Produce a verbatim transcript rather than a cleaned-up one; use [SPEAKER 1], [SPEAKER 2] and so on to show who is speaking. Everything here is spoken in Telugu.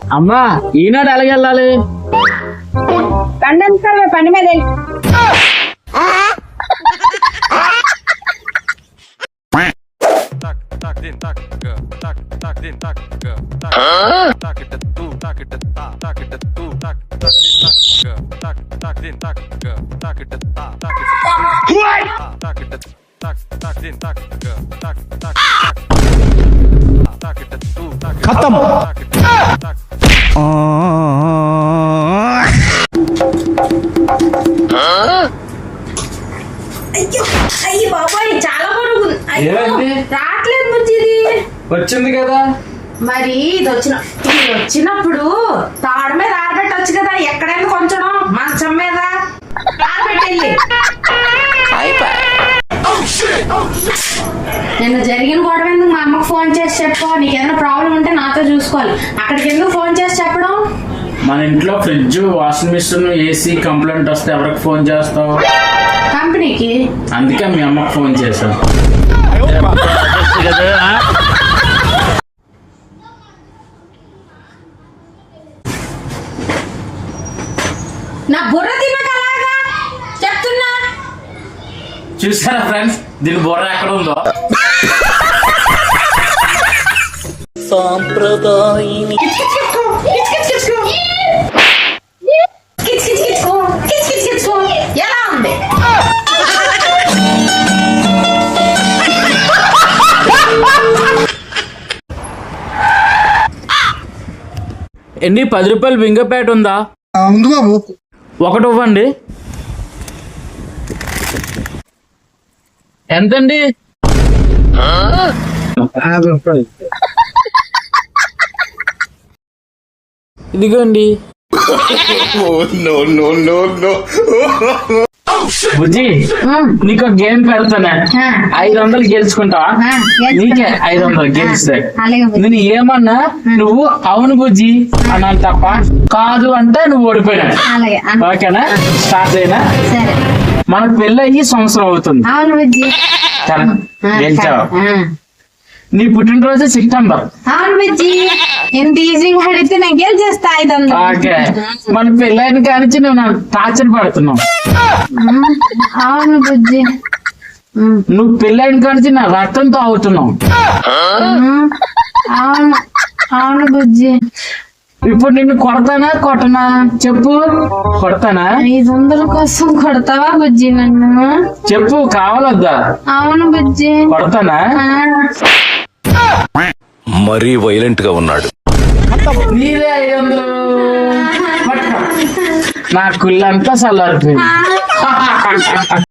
[SPEAKER 1] అమ్మా ఈనాడు ఎలాగెళ్ళాలి?
[SPEAKER 2] పండు పండి మీద
[SPEAKER 1] ఖతం.
[SPEAKER 2] అయ్యి బాబాయ్ చాలా బరువు రావట్లేదు బుజ్జి. ఇది
[SPEAKER 1] వచ్చింది కదా
[SPEAKER 2] మరి ఇది వచ్చిన ఇది వచ్చినప్పుడు తాడు మీద ఆరబెట్టొచ్చు కదా. ఎక్కడైనా కొంచెం మంచం మీద ఆరబెట్టెళ్ళి. నిన్న జరిగిన గొడవ ఎందుకు మా అమ్మకు ఫోన్ చేసి చెప్పు. నీకేదైనా ప్రాబ్లం ఉంటే నాతో చూసుకోవాలి. అక్కడికి ఎందుకు ఫోన్ చేసి చెప్పడం?
[SPEAKER 1] మన ఇంట్లో fridge, washing machine, AC complaint వస్తే ఎవరికి ఫోన్ చేస్తావు?
[SPEAKER 2] కంపెనీకి.
[SPEAKER 1] అందుకే మీ అమ్మకు ఫోన్ చేశాను.
[SPEAKER 2] నా బుర్ర తినకలాగా చెప్తున్నా.
[SPEAKER 1] చూసారా ఫ్రెండ్స్, దీని బుర్ర ఎక్కడ ఉందో. సాంప్రదాయం
[SPEAKER 2] ఎలా ఉంది?
[SPEAKER 1] ఎన్ని పది రూపాయలు బింగపేట ఉందా?
[SPEAKER 3] ఉంది బాబు.
[SPEAKER 1] ఒకటి ఇవ్వండి. ఎంతండి? ఇదిగోండి. బుజ్జి, నీకు గేమ్ పెడతానే. ఐదు వందలు గెలుచుకుంటావా? నీకే ఐదు వందలు గెలుస్తాయి. నేను ఏమన్నా నువ్వు అవును బుజ్జి అన్నాను తప్ప కాదు అంటే నువ్వు ఓడిపోయినా. ఓకేనా? స్టార్ట్ అయినా. మనకు పెళ్ళి అయ్యి సంవత్సరం అవుతుంది. గెలిచావు. నీ పుట్టినరోజు సెప్టెంబర్.
[SPEAKER 2] అవును బుజ్జి. ఎంత ఈజీగా అడిగితే నేను గెలిచేస్తా ఐదు వందలు.
[SPEAKER 1] ఓకే, మన పెళ్ళైన కానించి నువ్వు నాకు టార్చర్ పడుతున్నావు.
[SPEAKER 2] అవును బుజ్జి.
[SPEAKER 1] నువ్వు పెళ్ళైన కానించి నా రక్తంతో అవుతున్నావు.
[SPEAKER 2] అవును అవును బుజ్జి.
[SPEAKER 1] ఇప్పుడు నిన్ను కొడతానా కొట్టనా చెప్పు? కొడతానా?
[SPEAKER 2] ఐదు వందల కోసం కొడతావా బుజ్జి నన్ను?
[SPEAKER 1] చెప్పు, కావాలొద్దా?
[SPEAKER 2] అవును బుజ్జి.
[SPEAKER 1] కొడతానా?
[SPEAKER 4] మరీ వైలెంట్ గా ఉన్నాడు.
[SPEAKER 1] నీదే ఐదు వందలు. నా కుళ్ళంతా చల్లారిపోయింది.